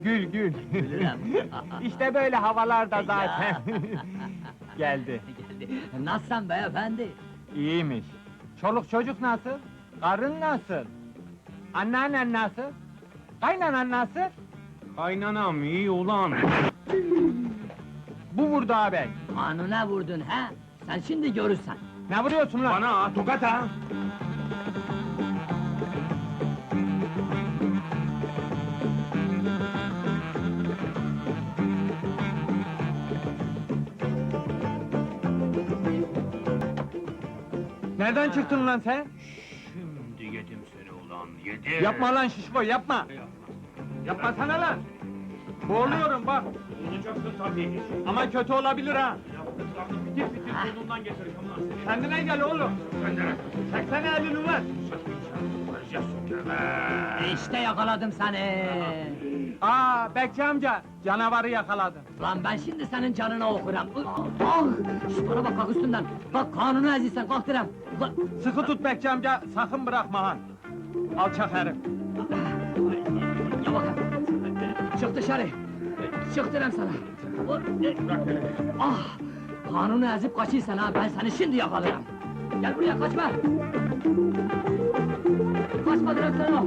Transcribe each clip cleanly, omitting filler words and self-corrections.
Gül gül. Gülürüm. İşte böyle havalarda zaten. Geldi. Nasılsın beyefendi? İyiymiş. Çoluk çocuk nasıl? Karın nasıl? Anneannen nasıl? Kaynanan nasıl? Kaynanam iyi ulan. Bu vurdu ağabey. Kanuna vurdun ha? Sen şimdi görürsen. Ne vuruyorsun lan? Bana ha, tokat ha! Nereden çıktın lan sen? Şimdi yedim seni ulan, yedim! Yapma lan şişko, yapma! Yapmasana lan! Boğuluyorum bak! Olacaksın tabii! Ama kötü olabilir ha! Yaptıklarını fitil fitil burnundan getireceğim lan seni! Kendine gel oğlum! Sen de Çeksene elini lan! Varacağız sökeme! İşte yakaladım seni. Aa, Bekçi amca, canavarı yakaladım. Lan ben şimdi senin canına okuram. Ah! Şş, bana bak, kalk üstünden. Bak, kanunu ezilsen, kalk direm. Sıkı tut Bekçi amca, sakın bırakma ha! Alçak herif! Ya bakın. Çık dışarı. Çık direm sana. Ah! Kanunu ezip kaçıysan ha, ben seni şimdi yakalarım. Gel buraya, kaçma! Kaçma direm sana!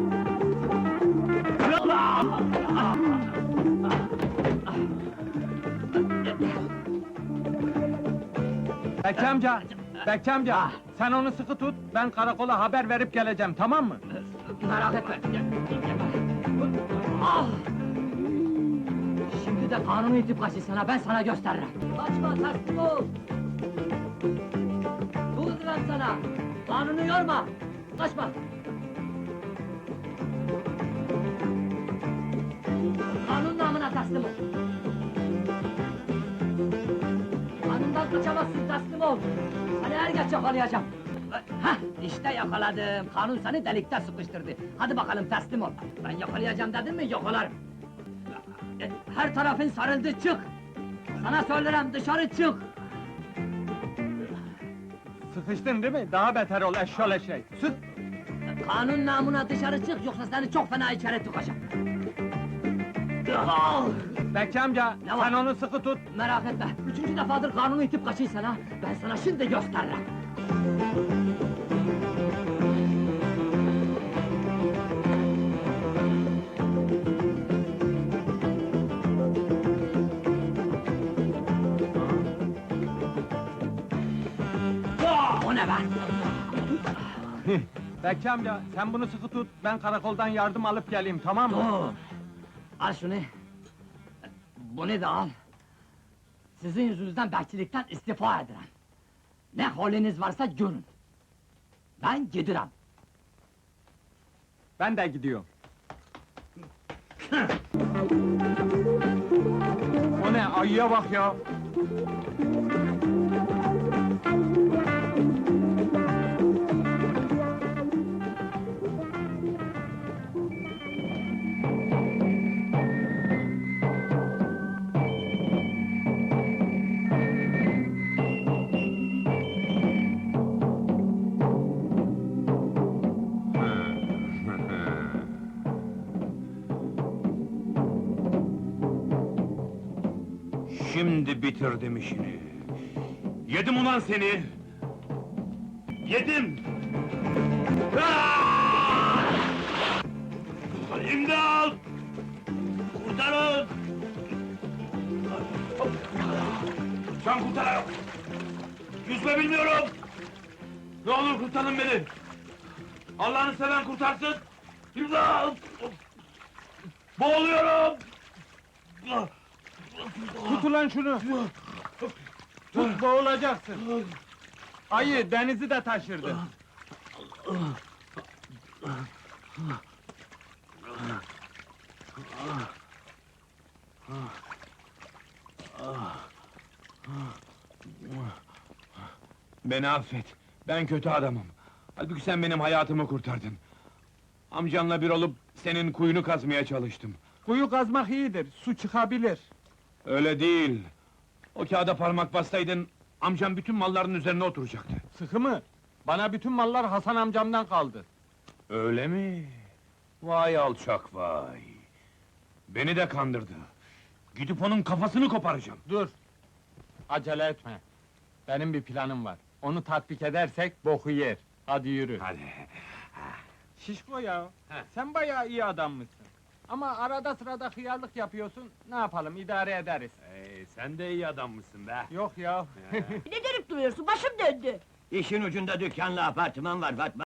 Bekçi amca, Bekçi amca, Ah. sen onu sıkı tut, ben karakola haber verip geleceğim, tamam mı? Merak etme. Ah! Şimdi de kanunu itip kaçırsan, ben sana gösteririm. Kaçma, teslim ol! Dur diyorum sana! Kanunu yorma! Kaçma! Kanun namına teslim ol! Kanundan kaçamazsın, teslim ol! Seni er geç yakalayacağım! Hah, işte yakaladım! Kanun seni delikte sıkıştırdı! Hadi bakalım, teslim ol! Ben yakalayacağım dedim mi, yakalarım! Her tarafın sarıldı, çık! Sana söylerim, dışarı çık! Sıkıştın değil mi? Daha beter ol, eşşol eşek! Sık! Kanun namına dışarı çık, yoksa seni çok fena içeri tıkacağım! Ah! Bekçi amca, Ne var? sen onu sıkı tut! Merak etme, üçüncü defadır kanunu itip kaçıysan ha, ben sana şimdi gösteririm! O ne be? Bekçi amca, sen bunu sıkı tut, ben karakoldan yardım alıp geleyim, tamam mı? Dur! Al şunu! Bunu da al! Sizin yüzünüzden bekçilikten istifa ederim! Ne haliniz varsa görün! Ben gidiyorum! Ben de gidiyorum. O ne, ayıya bak ya! Şimdi bitirdim işini! Yedim ulan seni! Yedim! Ah! İmdat! Kurtarın! Can kurtarın! Yüzme bilmiyorum! Ne olur kurtarın beni! Allah'ını seven kurtarsın! İmdat! Boğuluyorum! Tut ulan şunu! Tut, boğulacaksın! Ayı, denizi de taşırdı! Beni affet, ben kötü adamım. Halbuki sen benim hayatımı kurtardın. Amcanla bir olup senin kuyunu kazmaya çalıştım. Kuyu kazmak iyidir, su çıkabilir! Öyle değil. O kağıda parmak bassaydın, amcam bütün malların üzerine oturacaktı. Sıkı mı? Bana bütün mallar Hasan amcamdan kaldı. Öyle mi? Vay alçak vay! Beni de kandırdı. Gidip onun kafasını koparacağım. Dur! Acele etme. Benim bir planım var. Onu tatbik edersek boku yer. Hadi yürü. Hadi. Şişko ya, He. sen bayağı iyi adammışsın. Ama arada sırada hıyarlık yapıyorsun, ne yapalım, idare ederiz. Sen de iyi adammışsın be. Yok ya. Ne dönüp duruyorsun? Başım döndü. İşin ucunda dükkanla apartman var Fatma.